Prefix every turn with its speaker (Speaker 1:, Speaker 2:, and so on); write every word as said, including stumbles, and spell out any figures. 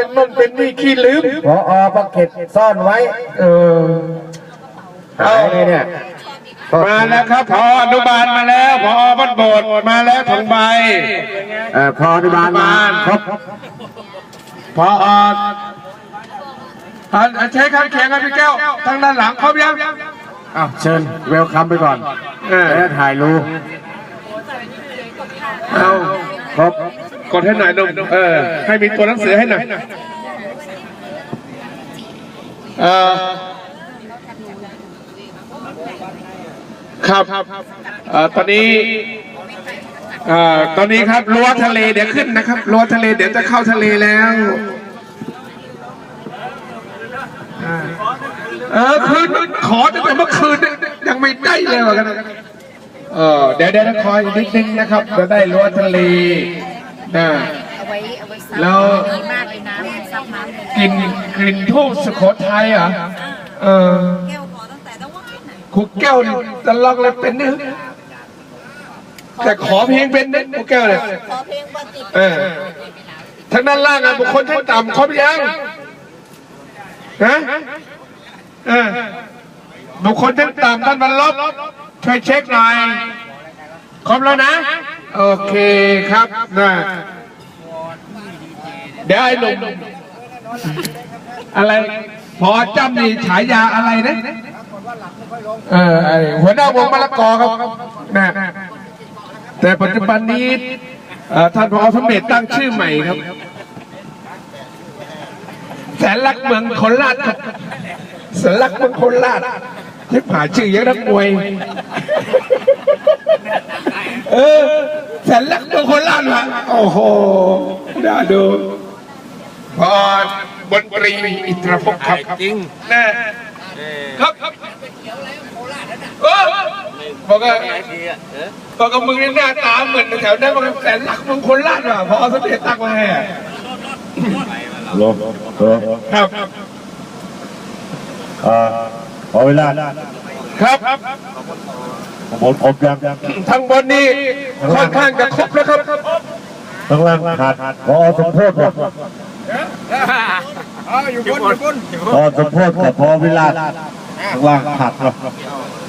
Speaker 1: นุ่นเป็นนี่ขี้ลืมพอบักเก็ตซ่อนไว้เออเอาเนี่ย
Speaker 2: มาแล้วครับพออนุบาลมาแล้วพอบ้านโบสถ์มาแล้วทองใบ
Speaker 1: เออพออนุบาลมาครบ
Speaker 2: พอใช้ข้างเคียงกันพี่แก้วทางด้านหลังครบยัง
Speaker 1: อ้าวเชิญเวลคัมไปก่อนแล้วถ่ายรูป
Speaker 2: เอา
Speaker 1: ครบ
Speaker 2: กดให้หน่อยนุ่มเออให้มีตัวหนังสือให้หน่อยเออครับตอนนี้ตอนนี้ครับรั้วทะเลเดี๋ยวขึ้นนะครับรั้วทะเลเดี๋ยวจะเข้าทะเลแล้วเออคืนขอตั้งแต่เมื่อคืนยังไม่ได้เลยว่ากันเออเดี๋ยวเดี๋ยวคอยนิดนึงนะครับจะได้รั้วทะเลนะแล้วกลิ่นกลิ่นทูบสุโขทัยเหรอเออครูแก้วนี่ตลอดเลยเป็นเนื้อแต่ขอเพลงเป็นเนี่ยครูแก้วเนี่ยเออทางด้านล่างอ่ะบุคคลท่านต่ำครบยังฮะเออบุคคลท่านต่ำท่านบรรลบช่วยเช็คหน่อยครบแล้วนะโอเคครับนะเดี๋ยวไอ้หนุ่มอะไรพอจำนี่ฉายาอะไรนะเออไอหัวหน้าวงมะละกอครับนะแต่ปัจจุบันนี้ท่านผอ.สมเด็จตั้งชื่อใหม่ครับแสนลักเมืองโคราชครับแสนลักเมืองโคราชที่ผ่าชื่อเยอะนักมวยเออแสนลักเมืองโคราชวะโอ้โหน่าดูพอบนตรีอิตรภพครับจริงนะครับเออบอกว่าบอกกับมึงนี่หน้าตาเหมือนแถวนั้นบอกแสนลักเมืองโคราชว่ะพอสมเด็จตั้งมาให้
Speaker 1: โล
Speaker 2: ครับ
Speaker 1: อ่าขอเวลา
Speaker 2: ครับ
Speaker 1: บนครบยัง
Speaker 2: ทางบนนี่ค่อนข้างจะครบแล้วครับ
Speaker 1: ทางล่างขาดพอสมโพธิ
Speaker 2: อยู่บนอยู่บน
Speaker 1: พอสมโพธิกับพอเวลาทางล่างขาดครับ